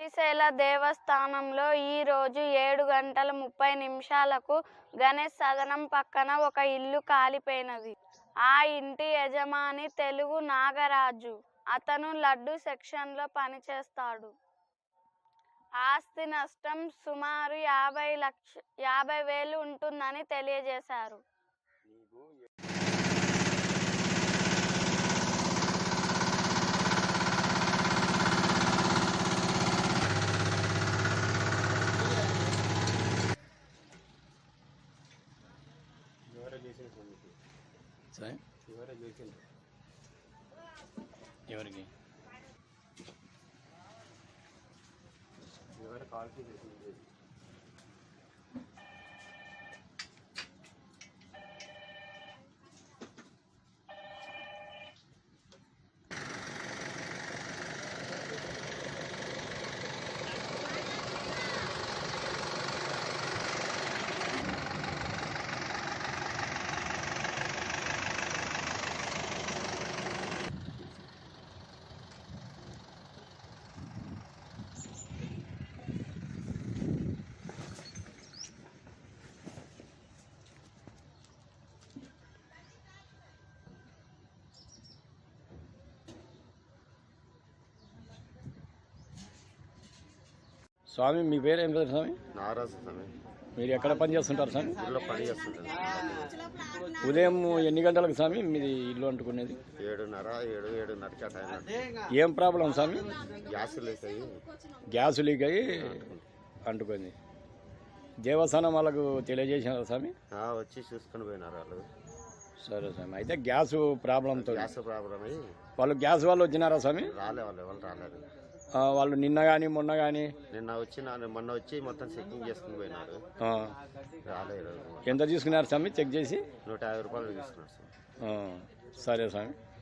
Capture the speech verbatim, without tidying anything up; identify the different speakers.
Speaker 1: శ్రీశైల దేవస్థానంలో ఈ రోజు ఏడు గంటల ముప్పై నిమిషాలకు గణేష్ సదనం పక్కన ఒక ఇల్లు కాలిపోయినది. ఆ ఇంటి యజమాని తెలుగు నాగరాజు. అతను లడ్డు సెక్షన్లో పనిచేస్తాడు. ఆస్తి నష్టం సుమారు యాభై లక్ష యాభై వేలు ఉంటుందని తెలియజేశారు.
Speaker 2: ఎవరికి
Speaker 3: ఎవరు కాల్కి చేసింది?
Speaker 2: స్వామి మీ పేరు ఏం పేరు స్వామి?
Speaker 3: నారాజు స్వామి.
Speaker 2: మీరు ఎక్కడ పని చేస్తుంటారు స్వామి?
Speaker 3: ఊళ్ళో పని చేస్తుంటాను.
Speaker 2: ఉదయం ఎన్ని గంటలకు స్వామి మీది ఇల్లు అంటుకునేది?
Speaker 3: ఏడున్నర ఏడు ఏడున్నరకి ఆ టైం.
Speaker 2: ఏం ప్రాబ్లం స్వామి?
Speaker 3: గ్యాస్ లీక్ అయ్యి
Speaker 2: గ్యాస్ లీక్ అయ్యి అంటుకుంది. దేవస్థానం వాళ్ళకు తెలియజేసినారా స్వామి?
Speaker 3: వచ్చి చూసుకొని పోయినారు వాళ్ళు.
Speaker 2: సరే స్వామి. అయితే గ్యాస్ ప్రాబ్లంతో
Speaker 3: గ్యాస్ ప్రాబ్లం అయ్యి
Speaker 2: వాళ్ళు గ్యాస్ వాళ్ళు వచ్చినారా స్వామి?
Speaker 3: రాలే, వాళ్ళు ఎవరు రాలేదు.
Speaker 2: వాళ్ళు నిన్న కానీ మొన్న కానీ
Speaker 3: నిన్న వచ్చి మొన్న వచ్చి మొత్తం చెకింగ్ చేసుకుని పోయినారు. రాలేదు.
Speaker 2: ఎంత తీసుకున్నారు స్వామి చెక్ చేసి?
Speaker 3: నూట యాభై రూపాయలు తీసుకున్నారు సార్.
Speaker 2: సరే స్వామి.